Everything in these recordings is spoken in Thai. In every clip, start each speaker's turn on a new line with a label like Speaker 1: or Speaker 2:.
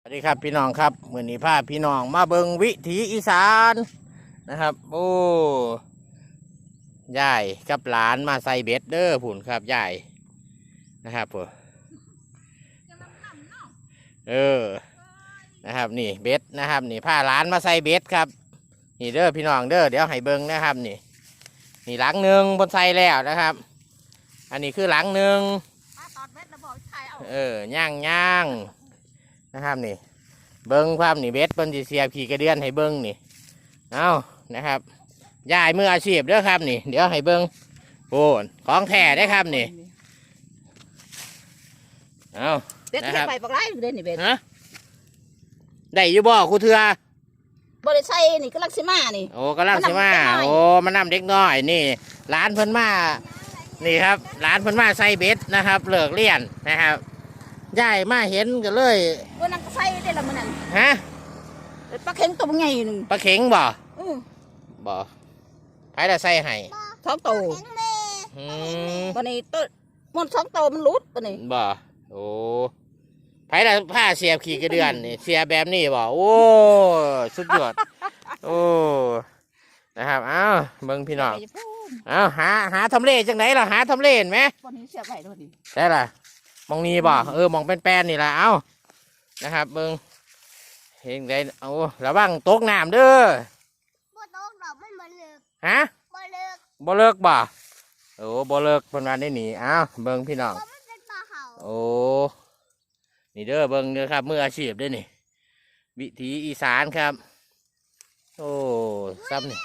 Speaker 1: สวัสดีครับพี่น้องครับมื้อนี้พาพี่น้องมาเบิงวิถีอีสานนะครับโอ้ยายกับหลานมาใส่เบ็ดเด้อผุ่นครับยายนะครับผมนะครับนี่เบ็ดนะครับนี่พาหลานมาใส่เบ็ดครับนี่เด้อพี่น้องเด้อเดี๋ยวให้เบิงนะครับนี่หลังหนึ่งบนใส่แล้วนะครับอันนี้คือหลังหนึ่งย่างนะครับนี่เบิ้งความนี่เบ็ดเปิ้นสิเสียบขี่กระเดือนให้เบิ้งนี่เอานะครับยายมืออาชีพเด้อครับนี่เดี๋ยวให้เบิ้งโอ้ของแท้ได้ครับนี่เอา
Speaker 2: เบ็ดไปปลาไหลเด่นนี่เบ็ด
Speaker 1: ฮะได้อยู่บ่ครูเถื่
Speaker 2: อบริษัทนี่กำลังสิมานี่
Speaker 1: โอ้กำลังสิมาโอ้มานำเด็กน้อยนี่ร้านเพิ่นมานี่ครับร้านเพิ่นมาใส่เบ็ดนะครับเลิกเรียนนะครับยายมาเห็นกันเลย
Speaker 2: วันนั้นก็ใส่ได้ละมันนั่น
Speaker 1: ฮะ
Speaker 2: ปลาเข็งตัวใหญ่หนึ่ง
Speaker 1: ปลาเข็งบ่ไผละใส่ให้
Speaker 2: สองตัววันนี้ตัวมันสองตัวมันรุดวันนี้
Speaker 1: บ่โอ้ไผละผ้าเสียบขี่กระเดือนนี่เสียแบบนี้บ่โอ้สุดยอดโอ้นะครับเอ้าเบิ่งพี่น้องเอ้าหาทำเลจังไหนล่ะหาทำเลเห็นไหม
Speaker 2: วันนี้เสียบไว้ด้วยดิ
Speaker 1: ได้ล่ะมองนี้บ่มองเป็นแป้นนี่ล่ะเอ้านะครับเบิ่งเห็นได้เอาระวังตกน้ำเด้อ
Speaker 3: บ่ตกดอกมันบ่เลิก
Speaker 1: ฮะ
Speaker 3: บ่เลิก
Speaker 1: บ่เลิกบ่โอ้บ่เลิกเพิ่นว่าได้หนีเอ้าเบิ่งพี่น้อง
Speaker 3: มันเป็นปลาเห่า
Speaker 1: โอ้นี่เด้อเบิ่งเด้อครับมืออาชีพเด้อนี่วิถีอีสานครับโอ้ซ้ำนี่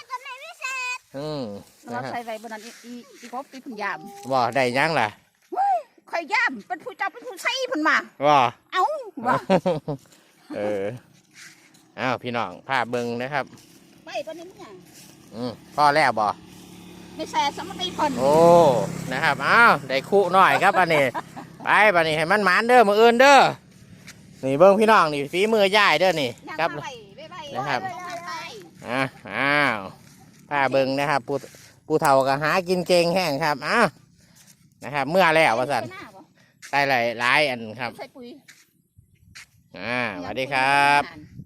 Speaker 2: เราใส่ไว้บนนั้นอีกบตีพุ่นยาม
Speaker 1: บ่ได้ยังล่ะ
Speaker 2: ใครยามเป็นผู้เจ้าเป็นผู้ใส่พุ่นมา
Speaker 1: บ่
Speaker 2: เอ้าบ่
Speaker 1: อ้าวพี่น้องพาเบิ่งนะครับ
Speaker 2: ไปปนี้เนี่ย
Speaker 1: พ่อแล้วบ่
Speaker 2: ไม่แซ่สมัติพ่น
Speaker 1: โอ้นะครับอ้าวได้คู่หน่อยครับอันนี้ไปบัดนี้ให้มันหมานเด้อมื้ออื่นเด้อนี่เบิ่งพี่น้องนี่ฝีมือย่ายเด้อนี่ครับนะครับอ้าวพาเบิ่งนะครับผู้เฒ่าก็หากินเก่งแห้งครับอ้าวนะครับเมื่อแล้วว่าซั่นได้หลายอันครับ
Speaker 2: ใส่ปุ๋ย
Speaker 1: สวัสดีครับ